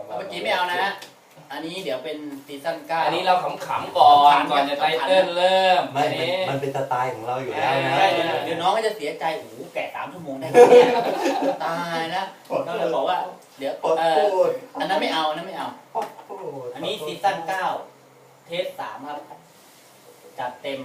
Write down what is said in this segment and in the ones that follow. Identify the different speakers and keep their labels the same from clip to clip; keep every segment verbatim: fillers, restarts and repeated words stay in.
Speaker 1: เมื่อกี้ไม่เอานะอันนี้เดี๋ยวเป็นซีซั่นเก้า
Speaker 2: อันนี้เราขำๆก่อนก่อนจะไตเติ้ลเริ่ม
Speaker 3: ไม่มันเป็นสไตล์ของเราอยู่แล้วนะ
Speaker 1: เดี๋ยวน้องก็จะเสียใจโอ้โหแก่สามชั่วโมงได้ไหมเนี่ยตายนะเราเลยบอกว่าเดี๋ยวเอออันนั้นไม่เอาอันนั้นไม่เอาอันนี้ซีซั่นเก้าเทสสามครับจัดเต็ม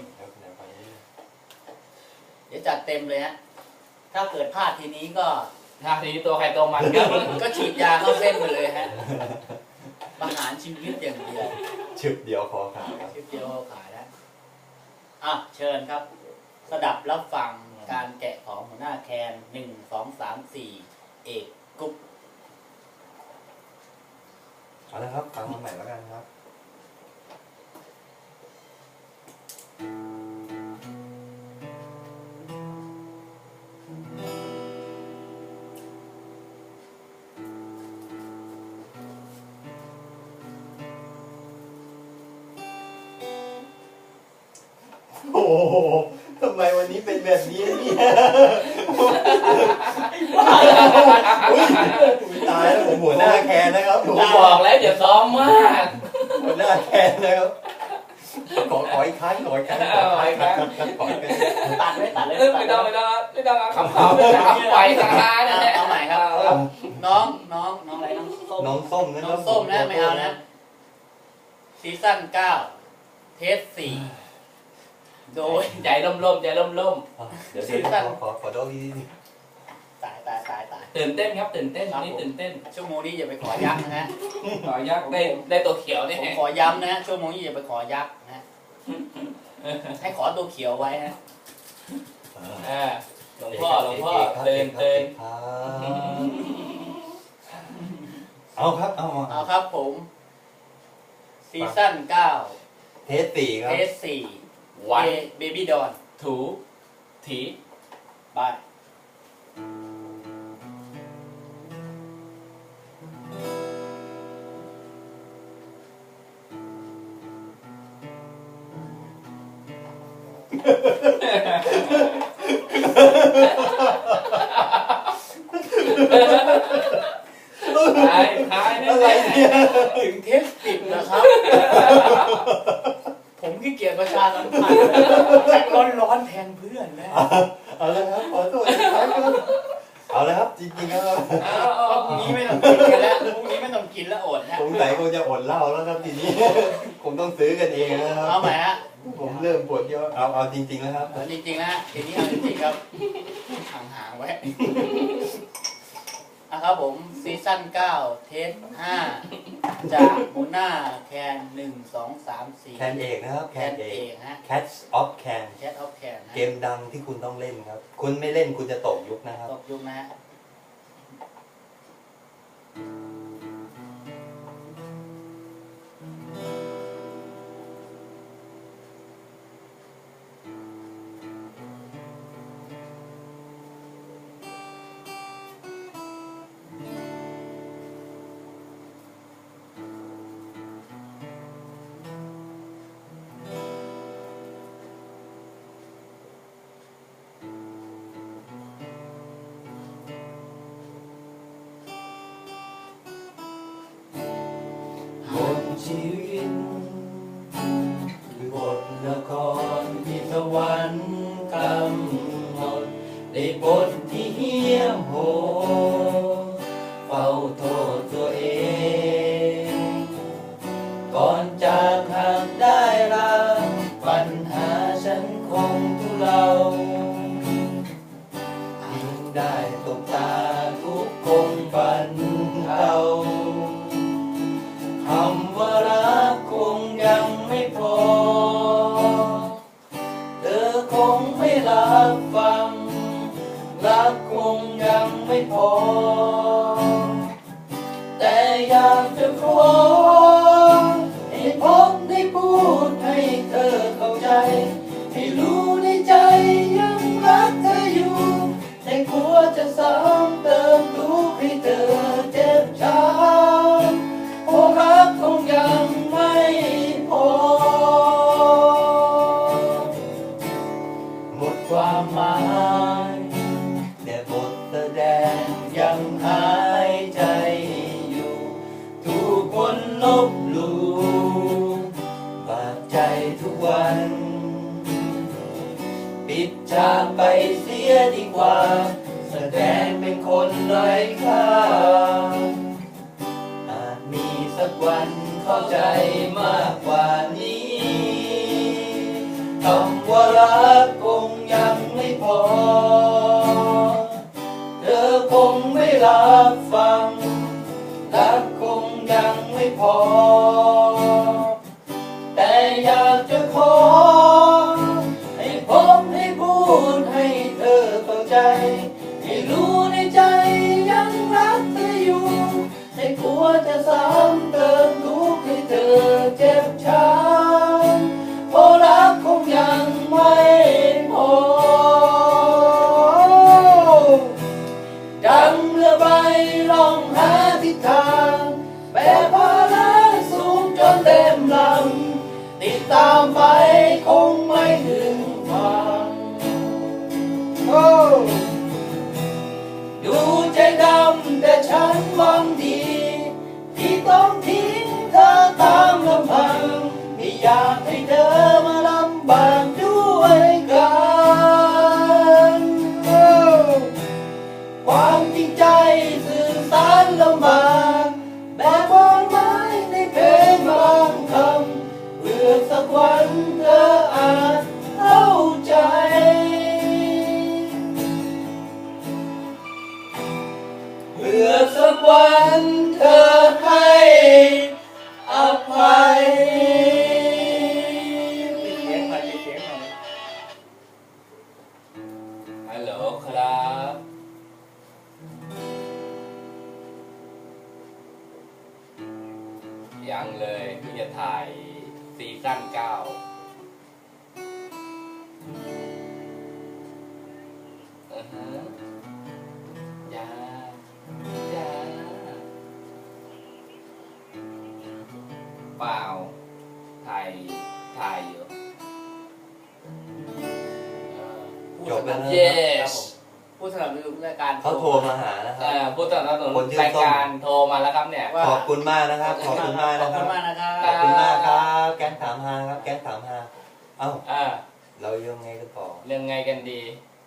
Speaker 1: เดี๋ยวจัดเต็มเลยฮะถ้าเกิดพลาดทีนี้ก็
Speaker 2: ถ้าทีนี้ตัวใครตัวมันก็
Speaker 1: ก็ฉีดยาเข้าเส้นไปเลยฮะประหารชีวิตอย่างเดียว
Speaker 3: ชึบเดียวพอขายครับ
Speaker 1: ชึบเดียวพอขายแล้วอ่ะเชิญครับสดับรับฟังการแกะของหัวหน้าแคนหนึ่งสองสามสี่เอกกุ๊บ
Speaker 3: เอาละครับฟังมาใหม่แล้วกันครับโอ้โหทำไมวันนี้เป็นแบบนี้เนี่ยตายแล้วผมหัวหน้าแคนนะครับ
Speaker 2: ผมบอกแล้วอย่าซ้อมมาก
Speaker 3: หัวหน้าแคนนะครับขอขออีกครั้งขออีกครั้งขออีกครั้งขออีกครั้ง
Speaker 1: ตัดไม่ตัดเลย
Speaker 2: ไม่ต้องไม่ต้องไม่ต้องคำตอบไม่ถามไปทางร้านนะ
Speaker 1: เอาใหม่ครับน้องน้องน้องอะไรน้องส้ม
Speaker 3: น้องส้มนะ
Speaker 1: น้องส้มนะไม่เอานะซีซั่นเก้าเทสสี่โดย
Speaker 2: ใจล่มๆใจล่ม
Speaker 3: ๆเดี๋ยวเดี๋ยวขอขอขอโดดี
Speaker 1: ตายตายตายตาย
Speaker 2: ตื่นเต้นครับตื่นเต้นนี่ตื่นเต้น
Speaker 1: ชั่วโมงนี้อย่าไปขอยักษ์นะฮะ
Speaker 2: ขอยักษ์ได้ได้ตัวเขียวนี่
Speaker 1: ผมขอย้ำนะชั่วโมงนี้อย่าไปขอยักษ์นะให้ขอตัวเขียวไว้ฮะ
Speaker 2: หลวงพ่อหลวงพ่อเตือนเตือน
Speaker 3: เอาครับเอา
Speaker 1: เอาครับผมซีซั่นเก้า
Speaker 3: เทสสี่ครับ
Speaker 1: เทสสี่วันเบบี้ดอน
Speaker 2: ถูถี
Speaker 1: บาย
Speaker 2: ตายตาย
Speaker 3: อะไรเนี่ย
Speaker 1: ถึงเทสสิบนะครับผมขี้เกียจประชาสัมพันธ์แจ็คร้อนร้อนแทนเพื่อนแล้ว
Speaker 3: เอาเลยครับขอโทษครับเอาเลยครับจริงๆครับ
Speaker 1: พรุ่งนี้ไม่ต้องกินกันแล้วพรุ่งนี้ไม่ต้องกินแล้วอดนะ
Speaker 3: ผมไหนคงจะอดเหล้าแล้วครับทีนี้ผมต้องซื้อกันเองนะครับ
Speaker 1: เอาใหม่ฮะ
Speaker 3: ผมเริ่มปวดเยอะเอาเอาจริงๆแล้วครับ
Speaker 1: จริงๆนะทีนี้เอาจริงๆครับห่างๆไว้นะครับผมซีซั่นเก้าเทสห้าจากหัวหน้าแคนหนึ่งสองสามสี่
Speaker 3: แคนเอกนะครับ
Speaker 1: แคนเอกฮะ
Speaker 3: Catch of Can
Speaker 1: Catch of Can
Speaker 3: เกมดังที่คุณต้องเล่นครับคุณไม่เล่นคุณจะตกยุคนะครับ
Speaker 1: ตกยุคนะฮะ
Speaker 2: ชีวิตคือบทละครที่สวรรค์กำหนดในบทที่เหี้ยมโหดเฝ้าโทษตัวเองก่อนจากหากได้รับปัญหาฉันคงทุเลายิ่งได้ตกตาทุกคงบันเทาคำว่ารักคงยังไม่พอเธอคงไม่รับฟังรักคงยังไม่พอแต่อยากจะขอให้พบได้พูดให้เธอเข้าใจให้รู้ในใจยังรักเธออยู่แต่กลัวจะซ้ำเติมทุกข์ให้เธอเจ็บช้ำเพราะรักคงยังไม่พอหมดความหมาย
Speaker 3: แต่บทแสดง
Speaker 2: ยังหายใจอยู่ทุลบหลู่บาดใจทุกวันปิดฉากไปเสียดีกว่าแสดงเป็นคนไร้ค่าอาจมีสักวันเข้าใจมากกว่านี้คำว่ารักคงยังไม่พอเธอคงไม่รับฟังรักคงยังไม่พอแต่อยากจะขอให้ผมให้พูดให้เธอเข้าใจให้รู้ในใจยังรักเธออยู่ไม่กลัวจะซ้ำเติมทุกข์ให้เธอเจ็บช้ำเพราะรักคงยังไม่พอดังเรือใบล่องหาทิศทางแบกภาระสูงจนเต็มลำติดตามไปคงไม่ถึงฝั่งโอ้ดูใจดำแต่ฉันหวังดีที่ต้องทิ้งเธอตามลำพังไม่อยากให้เธอมาลำบากด้วยกันโอ้ความจริงใจสื่อสารลำบากแบบบอนไม้ในเพลงบางคำเพื่อสักวันเธออาจเข้าใจเพื่อสักวันเธอให้อภัย
Speaker 1: เสียงหน่อยเสียงหน่อย
Speaker 2: ฮัลโหลครับยังเลยที่จะถ่ายซีซั่นเก้าอือฮะยายาเปล่าถ่ายถ่ายอยู่
Speaker 1: จบแล้วนะ
Speaker 2: yes
Speaker 1: ผู้สนับสนุนรายการ
Speaker 3: เขาโทรมาหานะค
Speaker 2: เอ่
Speaker 3: รับ
Speaker 2: อผู้สนับสนุนรายการโทรมาแล้วครับเนี่ย
Speaker 3: ขอบคุณมากนะครับ ขอบคุณมาก
Speaker 1: ขอ
Speaker 3: นะ
Speaker 1: บ
Speaker 3: ค
Speaker 1: คุ
Speaker 3: รับ
Speaker 1: ณมากนะครับ
Speaker 3: ขอบคุณมากครับ แก๊งถามหาครับ แก๊งถามหาเอ้า
Speaker 2: อ่า
Speaker 3: เรายังไงกันต่อ
Speaker 2: เรื่องไงกันดี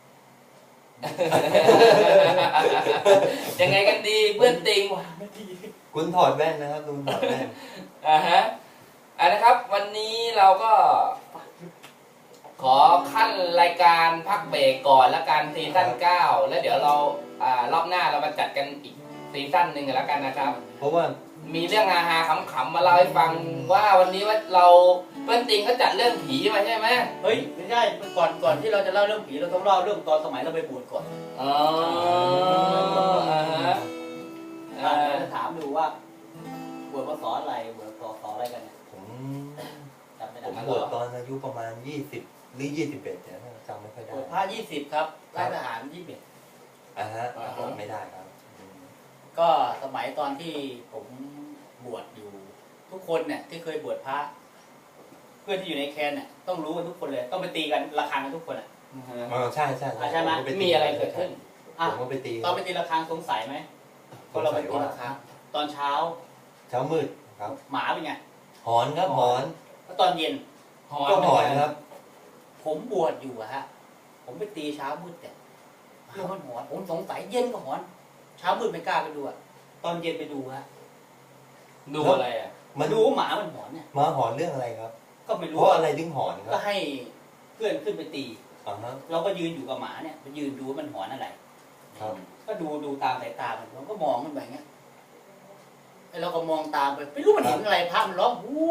Speaker 2: ยังไงกันดีเพื่อนติง
Speaker 3: คุณถอดแว่นนะครับคุณถอดแว่น
Speaker 2: อ่าฮะอ่านะครับ วันนี้เราก็ ขอขั้นรายการพักเบรกก่อนละกันซีซั่นเก้าแล้วเดี๋ยวเราอ่ารอบหน้าเรามาจัดกันอีกซีซั่นหนึ่งกันแล้วกันนะครับ
Speaker 3: เพราะว่า
Speaker 2: มีเรื่องฮาๆขำๆมาเล่าให้ฟังว่าวันนี้ว่าเราเพื่อนติงเขาจัดเรื่องผีมาใช่ไหม
Speaker 1: เฮ้ยไม่ใช่ก่อนก่อนที่เราจะเล่าเรื่องผีเราต้องเล่าเรื่องตอนสมัยเราไปบวชก่อน
Speaker 2: อ๋ออ่าฮะ
Speaker 1: อ่า
Speaker 2: อ่า
Speaker 1: จะถามดูว่าบวชพศอะไรบวชพศอะไรกันเนี่ย
Speaker 3: ผม
Speaker 1: จำไม่
Speaker 3: ผ
Speaker 1: ได้
Speaker 3: มบวชตอนอายุประมาณยี่สิบหรือยี่สิบเอ็ดเนี่ยจำไม่ค่อย
Speaker 1: บ
Speaker 3: ได้
Speaker 1: วชพระยี่สิบครับราชทหารยี่สิบ
Speaker 3: อ่าฮะไม่ได้ครับ
Speaker 1: ก็สมัยตอนที่ผมบวชอยู่ ทุกคนเนี่ยที่เคยบวชพระเพื่อนที่อยู่ในแคนเนี่ยต้องรู้กันทุกคนเลยต้องไปตีกันระฆังกันทุกคนอ่ะ
Speaker 3: เออใช่ใช่
Speaker 1: อ่ะใช่ไหม
Speaker 3: ผก็ปตี
Speaker 1: มีอะไรเกิดขึ้นอ่ะ
Speaker 3: ผมก็ไปตี
Speaker 1: ตอนไปตีระฆังสงสัยไหมพอเราไปตีระฆังตอนเช้า
Speaker 3: เช้ามืดครับ
Speaker 1: หมาเป็นไง
Speaker 3: หอนครับหอน
Speaker 1: แล้วตอนเย็น
Speaker 3: ก็หอนครับ
Speaker 1: ผมบวชอยู่อะฮะผมไปตีเช้ามืดแต่เรื่องมันหอนผมสงสัยเย็นก็หอน เช้ามืดไม่กล้าไปดูอะตอนเย็นไปดูฮะ
Speaker 2: ดูอะไรอ่ะ
Speaker 1: มาดูว่าหมามันหอนเนี่ย
Speaker 3: มาหอนเรื่องอะไรครับ
Speaker 1: ก็ไม่
Speaker 3: เพ
Speaker 1: รู้
Speaker 3: ราะอะไรถึงหอนครั
Speaker 1: ก็
Speaker 3: บ
Speaker 1: ให้เพื่อนขึ้นไปตี
Speaker 3: อ่าฮะ
Speaker 1: เราก็ยืนอยู่กับหมาเนี่ยไปยืนดูว่ามันหอนอะไร
Speaker 3: ครับ
Speaker 1: ก็ดูดูตามสายตามันผมก็มองมันไปอย่างเงี้ยไอ้เราก็มองตามไปไม่รู้มันเห็นอะไรพระมันร้องวู้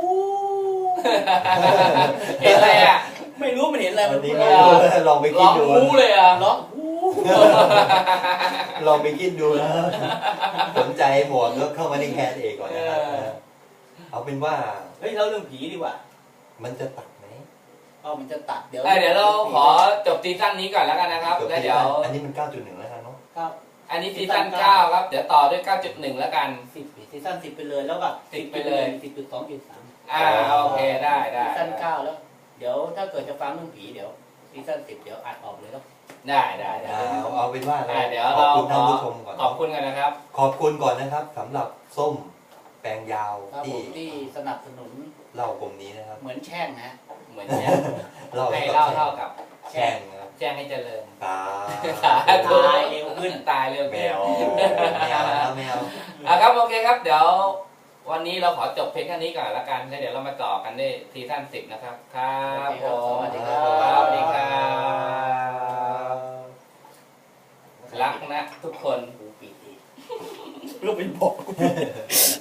Speaker 2: เห็นอะไรอ่ะ
Speaker 1: ไม่รู้มันเห็นอะไร
Speaker 3: วั
Speaker 1: มัน น
Speaker 3: นี้
Speaker 1: พูด
Speaker 3: ไม่
Speaker 1: อะไร
Speaker 3: รู้ลองไปคิ
Speaker 2: ร้
Speaker 3: ด
Speaker 2: อง
Speaker 3: ดู
Speaker 2: วู้เลยอ่ะ
Speaker 1: ร้องวู้
Speaker 3: ลองไปคิดดูนะสนใจหมวกก็เข้ามาในแคสเอกก่อนนะครับเอาเป็นว่า
Speaker 1: เฮ้ยเราเรื่องผีดีกว่า
Speaker 3: มันจะตัดไหม
Speaker 1: เอามันจะตัดเดี๋ยว
Speaker 2: เอ้ยเดี๋ยวเราขอจบซีซั่นนี้ก่อนแล้วกันนะครับ
Speaker 3: จบ
Speaker 2: แล้วเดี๋ยว
Speaker 3: อันนี้มัน เก้าจุดหนึ่ง แล้วกันเนาะ
Speaker 1: ครับ
Speaker 2: อันนี้ซีซั่นเก้าครับ เดี๋ยวต่อด้วย เก้าจุดหนึ่ง แล้วกัน
Speaker 1: สิบซีซั่นสิบไปเลยแล้วก็
Speaker 2: สิบไปเลย
Speaker 1: สิบจุดสองจุดสาม
Speaker 2: อ่าโอเคได้ได้
Speaker 1: ซีซั่นเก้าแล้ว เดี๋ยวถ้าเกิดจะฟังเรื่องผีเดี๋ยวซีซั่นสิบเดี๋ยวอัดออกเลยแล้ว
Speaker 2: ได้ได้ได้
Speaker 3: เอาเอาเป็นว่า
Speaker 2: อ่าเดี๋ยว
Speaker 3: ขอบ
Speaker 2: เรา
Speaker 3: คุณ
Speaker 2: ข
Speaker 3: ท่าน
Speaker 2: อ
Speaker 3: ผู้ชมก่อน
Speaker 2: ขอบคุณกันนะครับ
Speaker 3: ขอบคุณก่อนนะครับสำหรับส้มแปลงยาว
Speaker 1: ครับผ
Speaker 3: ที่
Speaker 1: มที่สนับสนุน
Speaker 3: เล่ากลุ่มนี้นะครับ
Speaker 1: เหมือนแช่งนะ
Speaker 2: เหมือนแช่ง
Speaker 3: เล่า
Speaker 2: ให้
Speaker 3: กับ
Speaker 2: เล่าเท่ากับ
Speaker 3: แช่งนะครับ
Speaker 2: แจ้งให้เจริญ
Speaker 3: ตา
Speaker 2: ตาย
Speaker 1: ตายเร็วขึ้น
Speaker 2: ตายเร็ว
Speaker 3: แม
Speaker 2: ขึ้น
Speaker 3: วแมวแล้วแมว
Speaker 2: อ่ะครับโอเคครับ เดี๋ยววันนี้เราขอจบเพลงแค่นี้ก่อนละกันแล้วเดี๋ยวเรามาต่อกันได้ซีซั่นสิบนะครับครับผม
Speaker 1: สวัสดีครับ
Speaker 2: สวัสดีครับรักนะทุกคน
Speaker 1: กูปิดอีกลูกเป็นบอก